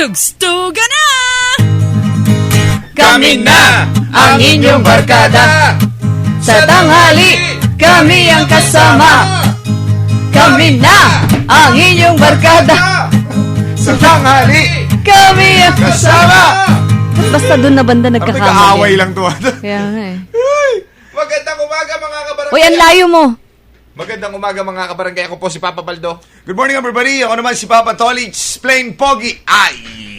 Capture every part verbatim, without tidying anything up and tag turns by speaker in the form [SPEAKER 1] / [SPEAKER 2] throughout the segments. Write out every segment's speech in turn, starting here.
[SPEAKER 1] Tugstuga na!
[SPEAKER 2] Kami na ang inyong barkada. Sa tanghali, kami ang kasama. Kami na ang inyong barkada.
[SPEAKER 3] Sa tanghali,
[SPEAKER 2] Kami ang
[SPEAKER 3] kasama.
[SPEAKER 2] Basta doon na banda
[SPEAKER 3] Ang
[SPEAKER 2] nagkakamali.
[SPEAKER 3] nag-aaway lang to.
[SPEAKER 2] Kaya nga eh.
[SPEAKER 3] Magandang umaga mga kabarangay.
[SPEAKER 2] Uy, ang layo mo.
[SPEAKER 3] Magandang umaga mga kabarangay. Ako po si Papa Baldo. Good morning everybody. Ako naman si Papa Tolich. Plain Pogi. Ay!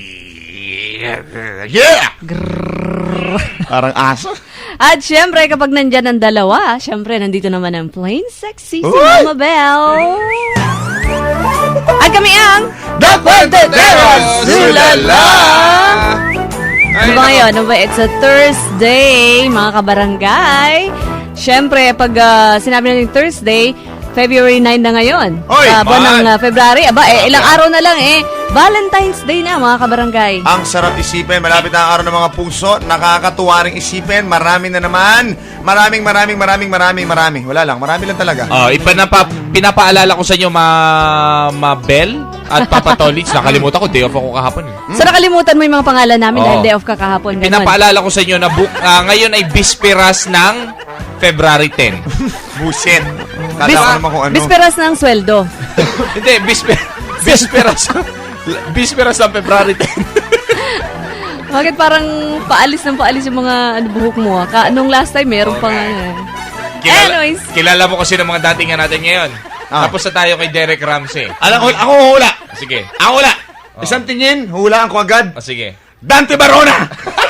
[SPEAKER 3] Yeah! Parang aso.
[SPEAKER 2] At syempre, kapag nandyan ang dalawa, syempre, nandito naman ang plain sexy si
[SPEAKER 3] Uy!
[SPEAKER 2] Mama Belle. At kami ang
[SPEAKER 3] The Cuenteteros! Sulala!
[SPEAKER 2] Ano ba ngayon? Ano ba? It's a Thursday, mga kabarangay. Siyempre, pag uh, sinabi natin Thursday, February ninth na ngayon.
[SPEAKER 3] Oy,
[SPEAKER 2] Sa buwan ng
[SPEAKER 3] man.
[SPEAKER 2] uh, February. Aba, eh, ilang araw na lang eh. Valentine's Day na, mga kabarangay.
[SPEAKER 3] Ang sarap isipin. Malapit na ang araw ng mga puso. Nakakatuwa rin isipin. Marami na naman. Maraming, maraming, maraming, maraming, marami. Wala lang. Marami lang talaga.
[SPEAKER 4] Oh, ipanapa, pinapaalala ko sa inyo, ma, ma Bel at Papa Tolich. Nakalimutan ko, day off ako kahapon. Eh.
[SPEAKER 2] So, nakalimutan mo yung mga pangalan namin
[SPEAKER 4] Oo.
[SPEAKER 2] dahil day off ka kahapon. Ganun.
[SPEAKER 4] Pinapaalala ko sa inyo na book, ah, ngayon ay bisperas ng February tenth.
[SPEAKER 3] Buset. Kala
[SPEAKER 2] Bis-
[SPEAKER 3] ko naman kung ano.
[SPEAKER 2] Bisperas ng sweldo.
[SPEAKER 4] Hindi, bisper, bisperas. bisperas ng February tenth.
[SPEAKER 2] Bakit parang paalis ng paalis yung mga ano, buhok mo? Ah? Ka, nung last time, meron pang ano eh.
[SPEAKER 4] Kilala,
[SPEAKER 2] Anyways.
[SPEAKER 4] kilala mo kasi ng mga datingan natin ngayon.
[SPEAKER 3] Ah.
[SPEAKER 4] Tapos na tayo kay Derek Ramsey.
[SPEAKER 3] Alam ko, ako hula.
[SPEAKER 4] Sige.
[SPEAKER 3] Ako hula. Isang tingin, hulaan ko agad.
[SPEAKER 4] O, sige.
[SPEAKER 3] Dante Barona!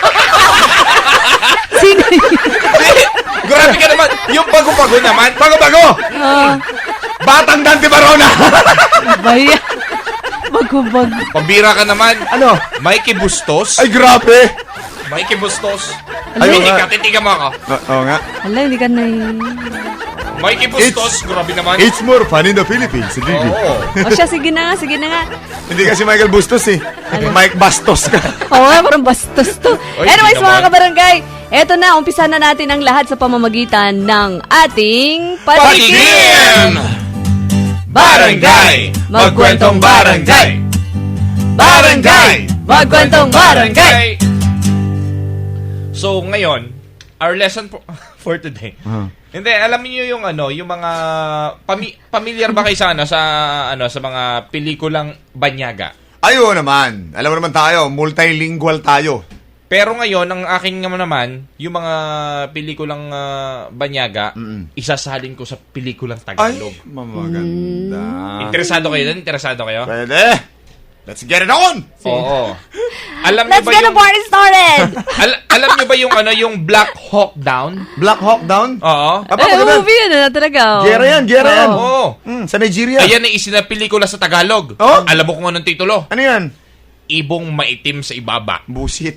[SPEAKER 2] Sino yun?
[SPEAKER 4] Grabe ka naman. Yung bago-bago naman.
[SPEAKER 3] Bago-bago!
[SPEAKER 2] Ah,
[SPEAKER 3] Batang Dante Barona!
[SPEAKER 2] baya. Bagubag.
[SPEAKER 4] Pambira ka naman.
[SPEAKER 3] Ano?
[SPEAKER 4] Mikey Bustos.
[SPEAKER 3] Ay, grabe!
[SPEAKER 4] Mikey Bustos.
[SPEAKER 3] Ayun
[SPEAKER 4] Titigan
[SPEAKER 3] nga.
[SPEAKER 4] ka, titigan mo ako.
[SPEAKER 3] Oo oh, nga.
[SPEAKER 2] Hala, hindi ka na
[SPEAKER 4] Mikey Bustos, grabe naman.
[SPEAKER 3] It's more fun in the Philippines. Hindi.
[SPEAKER 4] Oo.
[SPEAKER 2] O siya, sige na nga, sige na nga.
[SPEAKER 3] Hindi kasi Michael Bustos eh. Mike Bastos ka.
[SPEAKER 2] Oo nga, parang bastos to.
[SPEAKER 4] Oy,
[SPEAKER 2] Anyways,
[SPEAKER 4] di
[SPEAKER 2] mga
[SPEAKER 4] naman.
[SPEAKER 2] kabarangay, eto na, umpisa na natin ang lahat sa pamamagitan ng ating patikim!
[SPEAKER 4] Patikim! Barangay! Magkwentong barangay! Barangay!
[SPEAKER 2] Magkwentong barangay!
[SPEAKER 4] So, ngayon, our lesson for, for today.
[SPEAKER 3] Uh-huh.
[SPEAKER 4] Hindi, alam niyo yung ano, yung mga pami, familiar ba kayo sa ano sa ano sa mga pelikulang banyaga?
[SPEAKER 3] Ayo naman. Alam mo naman tayo, multilingual tayo.
[SPEAKER 4] Pero ngayon, ang aking naman, yung mga pelikulang ah, banyaga,
[SPEAKER 3] Mm-mm.
[SPEAKER 4] isasalin ko sa pelikulang
[SPEAKER 3] Ay,
[SPEAKER 4] Tagalog.
[SPEAKER 3] mamaganda.
[SPEAKER 4] Interesado kayo doon? Interesado kayo?
[SPEAKER 3] Pwede. Let's get it on!
[SPEAKER 4] Oo. Alam niyo
[SPEAKER 2] Let's
[SPEAKER 4] ba
[SPEAKER 2] get the
[SPEAKER 4] yung
[SPEAKER 2] party started!
[SPEAKER 4] al- alam niyo ba yung ano, yung Black Hawk Down?
[SPEAKER 3] Black Hawk Down?
[SPEAKER 4] Oo.
[SPEAKER 3] Aba,
[SPEAKER 2] Eh,
[SPEAKER 3] maganda.
[SPEAKER 2] movie yun na talaga. oh.
[SPEAKER 3] Gera yan, gera yan.
[SPEAKER 4] Oo.
[SPEAKER 3] Mm, sa Nigeria.
[SPEAKER 4] Ayan ay isinapelikula sa Tagalog.
[SPEAKER 3] Oh?
[SPEAKER 4] Alam mo kung anong titulo?
[SPEAKER 3] Ano yan?
[SPEAKER 4] Ibong maitim sa ibaba.
[SPEAKER 3] Busit.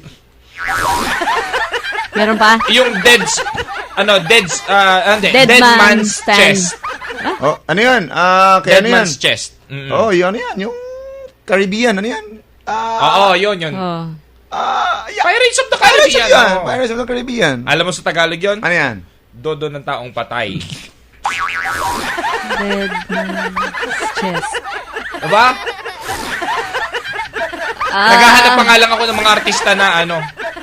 [SPEAKER 2] Meron pa?
[SPEAKER 4] Yung dead's ano, dead's uh, hindi,
[SPEAKER 2] Dead
[SPEAKER 4] dead,
[SPEAKER 2] man's
[SPEAKER 4] man's
[SPEAKER 2] stand.
[SPEAKER 4] chest.
[SPEAKER 3] Oh, ano yan? Ah, kaya
[SPEAKER 4] Dead
[SPEAKER 3] ano yan?
[SPEAKER 4] man's chest. Mm.
[SPEAKER 3] Oh, yun, ano yan? Yung Caribbean, ano yan? Ah,
[SPEAKER 4] Oo, yun, yun.
[SPEAKER 2] Oh.
[SPEAKER 3] ah, yeah.
[SPEAKER 4] Pirates of the
[SPEAKER 3] Pirates of
[SPEAKER 4] Caribbean.
[SPEAKER 3] yan.
[SPEAKER 4] oo.
[SPEAKER 3] Pirates of the Caribbean.
[SPEAKER 4] Alam mo sa Tagalog yun?
[SPEAKER 3] Ano yan?
[SPEAKER 4] Dodo ng taong patay.
[SPEAKER 2] Dead man's chest.
[SPEAKER 4] Diba?
[SPEAKER 2] Ah,
[SPEAKER 4] Naghahanap pa nga lang ako ng mga artista na ano.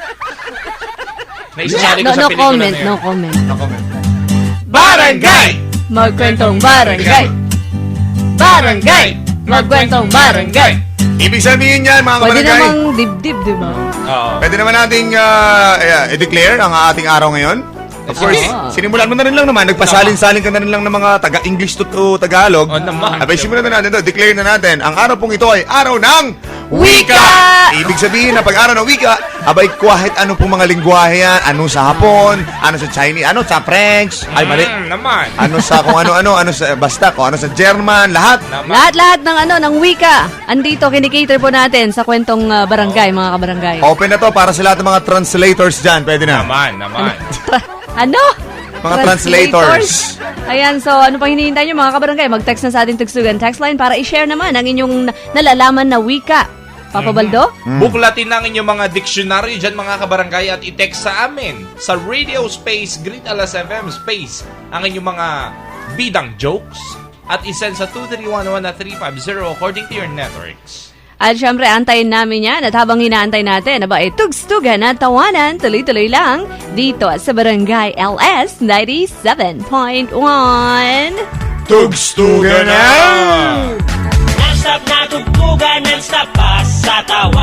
[SPEAKER 4] Na isasali ko
[SPEAKER 2] no,
[SPEAKER 4] sa
[SPEAKER 2] no
[SPEAKER 4] pelikula
[SPEAKER 2] comment,
[SPEAKER 4] na yun.
[SPEAKER 2] no comment.
[SPEAKER 3] Comment.
[SPEAKER 4] Barangay!
[SPEAKER 2] Magkwentong barangay! Barangay! Magkwentong barangay!
[SPEAKER 3] Ibig sabihin yan, mga
[SPEAKER 2] Pwede
[SPEAKER 3] kabarangay.
[SPEAKER 2] namang dibdib, di ba?
[SPEAKER 4] Oo.
[SPEAKER 3] Pwede naman nating ah, eh, i-declare ang ating araw ngayon. Of course,
[SPEAKER 2] Oo.
[SPEAKER 3] sinimulan mo na rin lang naman. Nagpasalin-salin ka na rin lang ng mga taga-English to, to Tagalog.
[SPEAKER 4] Oo naman.
[SPEAKER 3] Abay, simulan na natin to. Declare na natin. Ang araw pong ito ay araw ng
[SPEAKER 2] Wika!
[SPEAKER 3] Ibig sabihin na pag araw ng wika, abay kahit ano pong mga lingwahe yan. Ano sa Hapon, ano sa Chinese, ano sa French. Ay, mali.
[SPEAKER 4] Mm, naman.
[SPEAKER 3] Ano sa kung ano-ano, ano sa, basta kung ano sa German, lahat.
[SPEAKER 4] Naman.
[SPEAKER 2] Lahat-lahat ng ano, ng wika. Andito, kinikater po natin sa kwentong uh, barangay, mga kabarangay.
[SPEAKER 3] Open na to para sa lahat ng mga translators dyan. Pwede na.
[SPEAKER 4] Naman, naman.
[SPEAKER 2] Ano?
[SPEAKER 3] Mga translators.
[SPEAKER 2] Ayan, so ano pang hinihintay nyo mga kabarangay? Mag-text na sa ating Tugsugan text line para i-share naman ang inyong na- nalalaman na wika. Papa Baldo?
[SPEAKER 4] Buklatin ng inyong mga dictionary dyan mga kabarangay at i-text sa amin sa Radio Space Great Alas F M Space ang inyong mga bidang jokes at isend sa two three one one three five zero according to your networks.
[SPEAKER 2] At syempre, antayin namin yan. At habang hinaantay natin, aba, eh, tugstugan at tawanan, tuloy-tuloy lang dito sa Barangay L S ninety-seven point one.
[SPEAKER 3] Tugstugan na!
[SPEAKER 1] Non-stop na tugtugan, non-stop pa sa tawa.